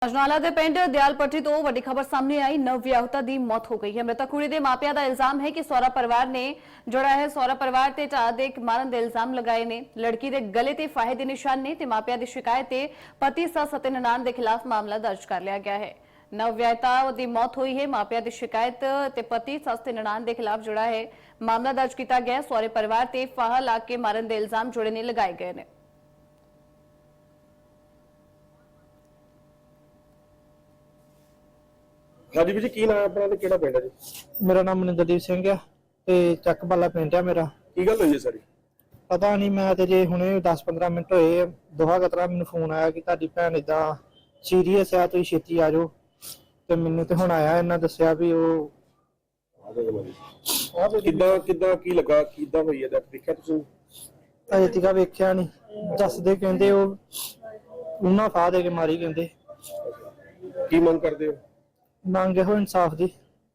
ਅਜਨਾਲਾ ਦੇ ਪਿੰਡ ਦਿਆਲਪੱਟੀ ਤੋਂ ਵੱਡੀ ਖਬਰ ਸਾਹਮਣੇ ਆਈ। ਨਵਵਿਆਹੁਤਾ ਦੀ ਮੌਤ ਹੋ ਗਈ ਹੈ। ਮ੍ਰਿਤਕ ਕੁੜੀ ਦੇ ਮਾਪਿਆਂ ਦਾ ਇਲਜ਼ਾਮ ਹੈ ਕਿ ਸਹੁਰਾ ਪਰਿਵਾਰ ਨੇ ਸਹੁਰਾ ਪਰਿਵਾਰ ਤੇ ਢਾਹ ਦੇ ਮਾਰਨ ਦੇ ਇਲਜ਼ਾਮ ਲਗਾਏ ਨੇ। ਲੜਕੀ ਦੇ ਗਲੇ ਤੇ ਫਾਹੇ ਦੇ ਨਿਸ਼ਾਨ ਨੇ ਤੇ ਮਾਪਿਆਂ ਦੀ ਸ਼ਿਕਾਇਤ ਤੇ ਪਤੀ ਸੱਸ ਅਤੇ ਨਨਾਣ ਦੇ ਖਿਲਾਫ ਮਾਮਲਾ ਦਰਜ ਕਰ ਲਿਆ ਗਿਆ ਹੈ। ਨਵਵਿਆਹੁਤਾ ਦੀ ਮੌਤ ਹੋਈ ਹੈ। ਮਾਪਿਆਂ ਦੀ ਸ਼ਿਕਾਇਤ ਤੇ ਪਤੀ ਸੱਸ ਤੇ ਨਨਾਣ ਦੇ ਖਿਲਾਫ ਮਾਮਲਾ ਦਰਜ ਕੀਤਾ ਗਿਆ। ਸਹੁਰੇ ਪਰਿਵਾਰ ਤੇ ਫਾਹਾ ਲਾ ਕੇ ਮਾਰਨ ਦੇ ਇਲਜ਼ਾਮ ਨੇ ਲਗਾਏ ਗਏ ਨੇ। हाँ जी, की नाम अपना ते केड़ा पिंड है जी? मेरा नाम मनिंदरदीप सिंह है ते ਚੱਕ ਵਾਲਾ ਪਿੰਡ ਹੈ ਮੇਰਾ। की गल हुई है सारी? ਪਤਾ ਨਹੀਂ, ਮੈਂ ਤੇ ਜੇ ਹੁਣੇ 10-15 ਮਿੰਟ ਹੋਏ ਦੋਹਾ ਕਤਰਾ ਮੈਨੂੰ ਫੋਨ ਆਇਆ ਕਿ ਤੁਹਾਡੀ ਭੈਣ ਇਦਾਂ ਸੀਰੀਅਸ ਆ, ਤੁਸੀਂ ਛੇਤੀ ਆ ਜਾਓ। ਤੇ ਮੈਨੂੰ ਤੇ ਹੁਣ ਆਇਆ, ਇਹਨਾਂ ਦੱਸਿਆ ਵੀ ਉਹ ਕਿੱਦਾਂ ਕਿੱਦਾਂ ਕੀ ਲੱਗਾ, ਕਿੱਦਾਂ ਹੋਈ ਹੈ? ਦੇਖਿਆ ਤੁਸੀਂ? ਅਜੇ ਤੱਕ ਵੇਖਿਆ ਨਹੀਂ। ਦੱਸਦੇ ਕਹਿੰਦੇ ਉਹ ਉਹਨਾਂ ਫਾਹ ਦੇ ਕੇ ਮਾਰੀ ਕਹਿੰਦੇ। ਕੀ ਮੰਗ ਕਰਦੇ ਹੋ? ਮੰਗ ਇਹੋ ਇਨਸਾਫ ਦੀ।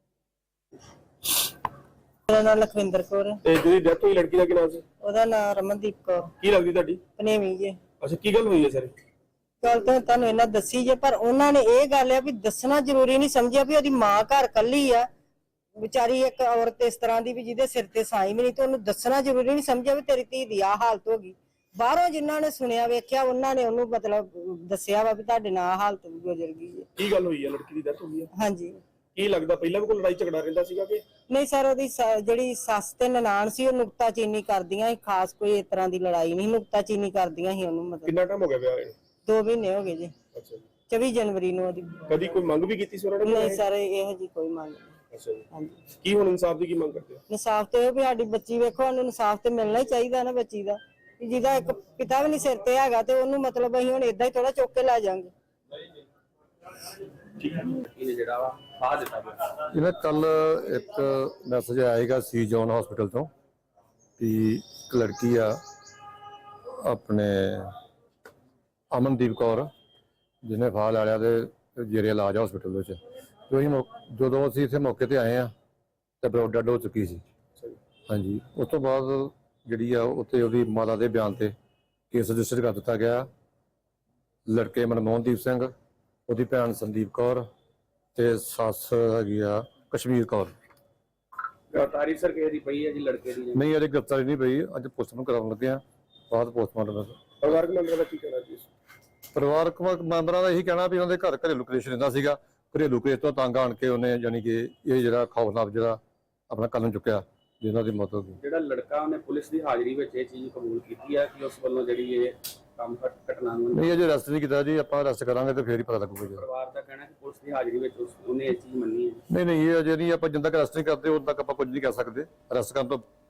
ਮੇਰਾ ਨਾਮ ਲਖਵਿੰਦਰ ਕੌਰ ਹੈ। ਤੇ ਜਿਹੜੀ ਡੈਥ ਹੋਈ ਲੜਕੀ ਦਾ ਕੀ ਨਾਮ ਸੀ? ਉਹਦਾ ਨਾਮ ਰਮਨਦੀਪ ਕੌਰ। ਕੀ ਲੱਗਦੀ ਤੁਹਾਡੀ? ਪਨੇਵੀ ਜੀ। ਅੱਛਾ, ਕੀ ਗੱਲ ਹੋਈ ਹੈ ਸਾਰੀ? ਗੱਲ ਤਾਂ ਤੁਹਾਨੂੰ ਇਹਨਾਂ ਦੱਸੀ ਜੇ, ਪਰ ਉਹਨਾਂ ਨੇ ਇਹ ਗੱਲ ਆ ਵੀ ਦੱਸਣਾ ਜ਼ਰੂਰੀ ਨਹੀਂ ਸਮਝਿਆ ਵੀ ਉਹਦੀ ਮਾਂ ਘਰ ਕੱਲੀ ਆ ਵਿਚਾਰੀ, ਇੱਕ ਔਰਤ ਇਸ ਤਰ੍ਹਾਂ ਦੀ ਵੀ ਜਿਹਦੇ ਸਿਰ ਤੇ ਸਾਈ ਵੀ ਨਹੀਂ, ਤੇ ਉਹਨੂੰ ਦੱਸਣਾ ਜ਼ਰੂਰੀ ਨਹੀਂ ਸਮਝਿਆ ਵੀ ਤੇਰੀ ਧੀ ਦੀ ਆਹ ਹਾਲਤ ਹੋ ਗਈ। ਬਾਹਰੋਂ ਜਿਨ੍ਹਾਂ ਨੇ ਸੁਣਿਆ ਵੇਖਿਆ ਉਹਨਾਂ ਨੇ ਉਹਨੂੰ ਮਤਲਬ ਦੱਸਿਆ ਵਾ ਵੀ ਤੁਹਾਡੇ ਨਾਲ ਹਾਲਤ ਗੁਜ਼ਰ ਗਈ ਹੈ। ਕੀ ਗੱਲ ਹੋਈ ਹੈ? ਲੜਕੀ ਦੀ ਡੈਥ ਹੋਈ ਹੈ? ਹਾਂਜੀ। ਕੀ ਲੱਗਦਾ ਪਹਿਲਾਂ ਵੀ ਕੋਈ ਲੜਾਈ ਝਗੜਾ ਰਹਿੰਦਾ ਸੀਗਾ ਕਿ ਨਹੀਂ ਸਰ, ਉਹਦੀ ਜਿਹੜੀ ਸੱਸ ਤੇ ਨਨਾਣ ਸੀ ਉਹ ਨੁਕਤਾਚੀਨੀ ਕਰਦੀਆਂ ਸੀ। ਖਾਸ ਕੋਈ ਇਸ ਤਰ੍ਹਾਂ ਦੀ ਲੜਾਈ ਨਹੀਂ, ਨੁਕਤਾਚੀਨੀ ਕਰਦੀਆਂ ਸੀ ਉਹਨੂੰ। ਮਤਲਬ ਕਿੰਨਾ ਟਾਈਮ ਹੋ ਗਿਆ ਵਿਆਹ ਨੂੰ? 2 ਮਹੀਨੇ ਹੋ ਗਏ ਜੀ। ਅੱਛਾ ਜੀ। 24 ਜਨਵਰੀ ਨੂੰ ਉਹਦੀ। ਕਦੀ ਕੋਈ ਮੰਗ ਵੀ ਕੀਤੀ ਸੀ ਉਹਨਾਂ ਨੇ? ਨਹੀਂ ਸਰ, ਇਹੋ ਜੀ ਕੋਈ ਮੰਗ ਨਹੀਂ। ਅੱਛਾ ਜੀ। ਹਾਂਜੀ। ਕੀ ਹੁਣ ਇਨਸਾਫ ਦੀ ਕੀ ਮੰਗ ਕਰਦੇ ਹੋ? ਇਨਸਾਫ ਤੇ ਵੀ ਸਾਡੀ ਬੱਚੀ ਵੇਖੋ, ਉਹਨੂੰ ਇਨਸਾਫ ਤੇ ਮਿਲਣਾ ਹੀ ਚਾਹੀਦਾ ਨਾ ਬੱਚੀ ਦਾ। ਜਿਹਦਾ ਇੱਕ ਪਿਤਾ ਵੀ ਨਹੀਂ ਸਿਰ ਤੇ ਹੈਗਾ ਤੇ ਉਹਨੂੰ ਮਤਲਬ ਅਸੀਂ ਹੁਣ ਏਦਾਂ ਹੀ ਥੋੜਾ ਚੁੱਕ ਕੇ ਲੈ ਜਾਾਂਗੇ। ਇਹਨਾਂ ਕੱਲ ਇੱਕ ਮੈਸੇਜ ਆਏਗਾ ਸੀ ਜੋਨ ਹਸਪੀਟਲ ਤੋਂ ਕਿ ਇੱਕ ਲੜਕੀ ਆ ਆਪਣੇ ਅਮਨਦੀਪ ਕੌਰ ਜਿਹਨੇ ਫਾਹ ਲੈ ਲਿਆ ਤੇ ਜੇਰੇ ਇਲਾਜ ਹਸਪੀਟਲ ਵਿੱਚ। ਜਦੋਂ ਅਸੀਂ ਇੱਥੇ ਮੌਕੇ ਤੇ ਆਏ ਆ ਤੇ ਬਰੋ ਡੈਡ ਹੋ ਚੁੱਕੀ ਸੀ। ਹਾਂਜੀ, ਉਸ ਤੋਂ ਬਾਅਦ ਜਿਹੜੀ ਆ ਉੱਥੇ ਉਹਦੀ ਮਾਤਾ ਦੇ ਬਿਆਨ ਤੇ ਕੇਸ ਰਜਿਸਟਰ ਕਰ ਦਿੱਤਾ ਗਿਆ। ਲੜਕੇ ਮਨਮੋਹਨਦੀਪ ਸਿੰਘ, ਉਹਦੀ ਭੈਣ ਸੰਦੀਪ ਕੌਰ ਤੇ ਸੱਸ ਹੈਗੀ ਆ ਕਸ਼ਮੀਰ ਕੌਰ। ਤਾਰੀਖ ਸਰ ਕਿਹਦੀ ਪਈ ਹੈ ਜੀ ਲੜਕੇ ਦੀ? ਨਹੀਂ, ਅਜੇ ਗ੍ਰਿਫਤਾਰੀ ਨਹੀਂ ਪਈ। ਅੱਜ ਪੋਸਟਮਾਰਟਮ ਕਰਾਉਣ ਲੱਗੇ ਆ, ਬਾਅਦ ਪੋਸਟਮਾਰਟਮ। ਪਰਿਵਾਰਕ ਮੈਂਬਰਾਂ ਦਾ ਕੀ ਕਹਿਣਾ ਜੀ? ਪਰਿਵਾਰਕ ਮੈਂਬਰਾਂ ਦਾ ਇਹੀ ਕਹਿਣਾ ਵੀ ਉਹਨਾਂ ਦੇ ਘਰ ਘਰੇਲੂ ਕਲੇਸ਼ ਰਹਿੰਦਾ ਸੀਗਾ। ਘਰੇਲੂ ਕਲੇਸ਼ ਤੋਂ ਤੰਗ ਆਣ ਕੇ ਉਹਨੇ ਯਾਨੀ ਕਿ ਇਹ ਜਿਹੜਾ ਖੌਫਨਾਕ ਜਿਹੜਾ ਆਪਣਾ ਕਦਮ ਚੁੱਕਿਆ ਜਿਹਨਾਂ ਦੀ ਮੌਤ ਹੋ ਗਈ। ਜਿਹੜਾ ਲੜਕਾ ਉਹਨੇ ਪੁਲਿਸ ਦੀ ਹਾਜ਼ਰੀ ਵਿੱਚ ਇਹ ਚੀਜ਼ ਕਬੂਲ ਕੀਤੀ ਹੈ ਕਿ ਉਸ ਵੱਲੋਂ ਜਿਹੜੀ ਇਹ ਕੰਮ ਘਟਨਾ ਨੂੰ ਨਹੀਂ, ਅਜੇ ਅਰੈਸਟ ਨਹੀਂ ਕੀਤਾ ਜੀ। ਆਪਾਂ ਅਰੈਸਟ ਕਰਾਂਗੇ ਤੇ ਫੇਰ ਹੀ ਪਤਾ ਲੱਗੂਗਾ ਜੀ। ਪਰਿਵਾਰ ਦਾ ਕਹਿਣਾ ਕਿ ਪੁਲਿਸ ਦੀ ਹਾਜ਼ਰੀ ਵਿੱਚ ਉਹਨੇ ਇਹ ਚੀਜ਼ ਮੰਨੀ ਹੈ। ਨਹੀਂ, ਇਹ ਅਜੇ ਨਹੀਂ। ਆਪਾਂ ਜਿੰਨਾ ਤੱਕ ਅਰੈਸਟ ਨਹੀਂ ਕਰਦੇ ਉਦੋਂ ਤੱਕ ਆਪਾਂ ਕੁਝ ਨਹੀਂ ਕਰ ਸਕਦੇ। ਅਰੈਸਟ ਕਰਨ ਤੋਂ